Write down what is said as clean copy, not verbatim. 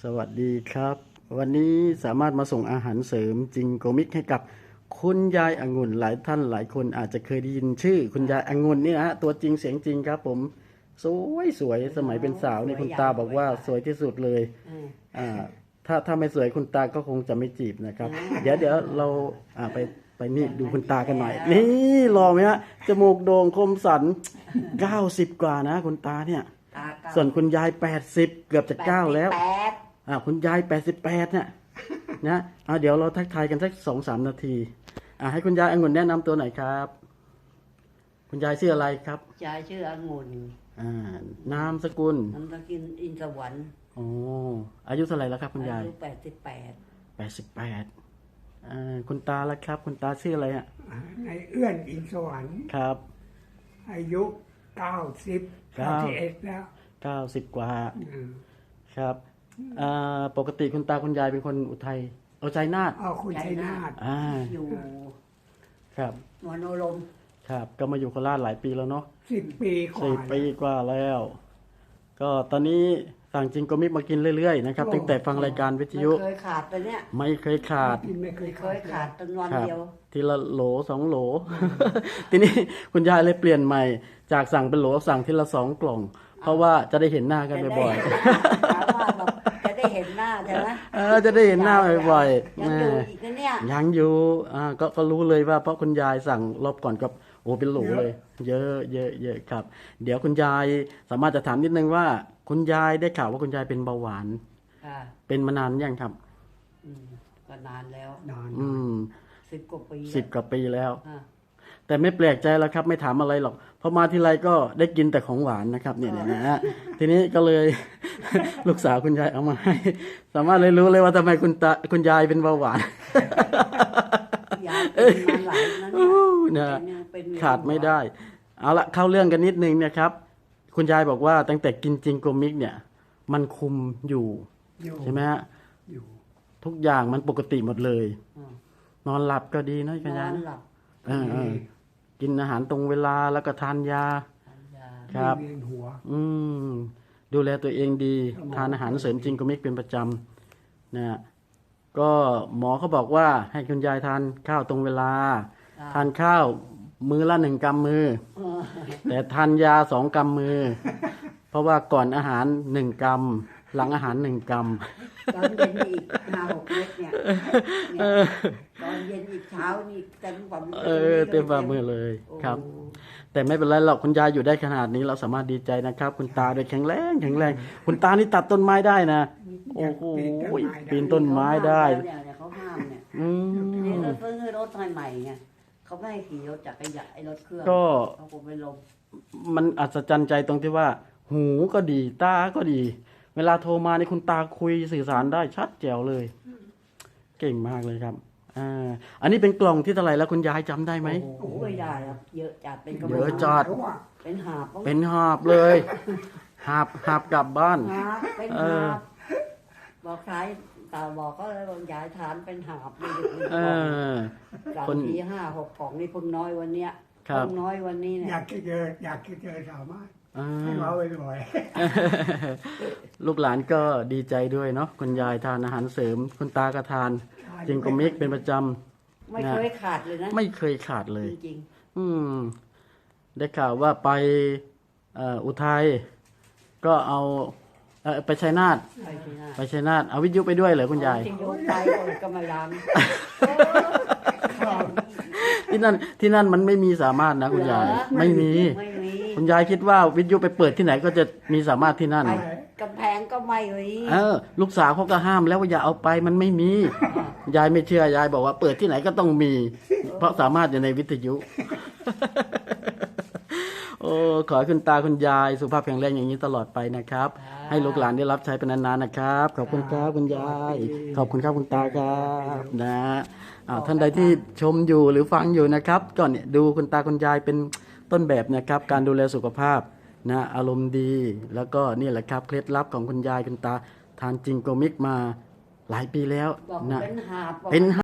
สวัสดีครับ วันนี้สามารถมาส่งอาหารเสริมจิงโกมิกให้กับคุณยายองุ่นหลายท่านหลายคนอาจจะเคยได้ยินชื่อคุณยายองุ่นนี่นะฮะตัวจริงเสียงจริงครับผมสวยสมัยเป็นสาวนี่คุณตาบอกว่าสวยที่สุดเลยอ่าถ้าไม่สวยคุณตาก็คงจะไม่จีบนะครับเดี๋ยวเราไปนี่ดูคุณตากันหน่อยนี่หล่อไหมฮะจมูกโด่งคมสัน90กว่านะคุณตาเนี่ยส่วนคุณยาย80เกือบจะ9แล้วคุณยาย88เนี่ยนะเดี๋ยวเราทักทายกันสัก2-3 นาทีให้คุณยายองุ่นแนะนำตัวหน่อยครับคุณยายชื่ออะไรครับยายชื่อองุ่นนามสกุลอินสวรรค์อายุเท่าไหร่แล้วครับคุณยายอายุ88 คุณตาแล้วครับคุณตาชื่ออะไรในเอื้อนอินสวรรค์ครับอายุ91แล้ว 90กว่าครับปกติคุณตาคุณยายเป็นคนอุทัยชัยนาทคุณชัยนาทอยู่ครับมโนรมครับก็มาอยู่โคราชหลายปีแล้วเนาะ 10 ปีกว่า 10 ปีกว่าแล้วก็ตอนนี้สั่งจิงโกมิกมากินเรื่อยๆนะครับตั้งแต่ฟังรายการวิทยุไม่เคยขาดไปเนี่ยไม่เคยขาดตั้งวันเดียวทีละโหล2 โหล ทีนี้คุณยายเลยเปลี่ยนใหม่จากสั่งเป็นโหลสั่งทีละ2 กล่องเพราะว่าจะได้เห็นหน้ากันบ่อยๆจะได้เห็นหน้าใช่ไหมจะได้เห็นหน้าบ่อยๆยังอยู่อีกนะเนี่ยยังอยู่ก็รู้เลยว่าเพราะคุณยายสั่งรอบก่อนกับเป็นโหลเลยเยอะครับเดี๋ยวคุณยายสามารถจะถามนิดนึงว่าคุณยายได้ข่าวว่าคุณยายเป็นเบาหวานเป็นมานานยังครับก็นานแล้ว10 กว่าปี 10 กว่าปีแล้วแต่ไม่แปลกใจแล้วครับไม่ถามอะไรหรอกเพราะมาทีไรก็ได้กินแต่ของหวานนะครับเนี่ยนะฮะทีนี้ก็เลย ลูกสาวคุณยายเอามาให้สามารถเลยรู้เลยว่าทำไมคุณยายเป็นเบาหวานยายเป็นมาหลายนะขาดไม่ได้เอาละเข้าเรื่องกันนิดนึงเนี่ยครับคุณยายบอกว่าตั้งแต่กินจิงโกมิกเนี่ยมันคุมอยู่ใช่ไหมฮะทุกอย่างมันปกติหมดเลยนอนหลับก็ดีนะคุณยายกินอาหารตรงเวลาแล้วก็ทานยาครับดูแลตัวเองดีทานอาหารเสริมจิงโกมิกเป็นประจำนะก็หมอเขาบอกว่าให้คุณยายทานข้าวตรงเวลาทานข้าวมื้อละ1 กำมือแต่ทานยา2 กำมือเพราะว่าก่อนอาหาร1 กำหลังอาหาร1 กำตอนเย็นอีก5-6 เม็ดเนี่ยตอนเย็นอีกเช้านี่เต็มฝ่ามือเต็มฝ่ามือเลยครับแต่ไม่เป็นไรหรอกคุณยายอยู่ได้ขนาดนี้เราสามารถดีใจนะครับคุณตาโดยแข็งแรงคุณตานี่ตัดต้นไม้ได้นะโอ้โหปีนต้นไม้ได้เขาห้ามเนี่ยนี่เราซื้อรถใหม่ไงเขาไม่ให้ขี่รถจักรยานรถเครื่องเขาคงไม่ลงมันอัศจรรย์ใจตรงที่ว่าหูก็ดีตาก็ดีเวลาโทรมาในคุณตาคุยสื่อสารได้ชัดแจ๋วเลยเก่งมากเลยครับอันนี้เป็นกล่องที่เท่าไหร่แล้วคุณยายจำได้ไหมโอ้ยได้ครับเยอะจัดเป็นเยอะจัดเป็นหาบเลยหาบกลับบ้านเป็นหาบบอกใครตาบอกก็เลยบอกยายทานเป็นหาบเลยคนที่5-6 กล่องนี่เพิ่งน้อยวันเนี้ยเพิ่งน้อยวันนี้เนี่ยอยากเจอสามารถให้เราไปบ่อยลูกหลานก็ดีใจด้วยเนาะคุณยายทานอาหารเสริมคุณตาก็ทานจิงโกมิกเป็นประจำไม่เคยขาดเลยนะไม่เคยขาดเลยจริงได้ข่าวว่าไปอุทัยก็เอาไปชัยนาทเอาวิทยุไปด้วยเหรอคุณยายไปก็มาล้างที่นั่นมันไม่มีสามารถนะคุณยายไม่มีคุณยายคิดว่าวิทยุไปเปิดที่ไหนก็จะมีสามารถที่นั่นกำแพงก็ไม่ลูกสาวเขาก็ห้ามแล้วว่าอย่าเอาไปมันไม่มียายไม่เชื่อยายบอกว่าเปิดที่ไหนก็ต้องมีเพราะสามารถอยู่ในวิทยุขอให้คุณตาคุณยายสุขภาพแข็งแรงอย่างนี้ตลอดไปนะครับให้ลูกหลานได้รับใช้เป็นนานๆนะครับขอบคุณครับคุณยายขอบคุณครับคุณตาครับนะท่านใดที่ชมอยู่หรือฟังอยู่นะครับก็เนี่ยดูคุณตาคุณยายเป็นต้นแบบนะครับการดูแลสุขภาพนะอารมณ์ดีแล้วก็นี่แหละครับเคล็ดลับของคุณยายคุณตาทานจิงโกมิกมาหลายปีแล้วนะเป็นหาบ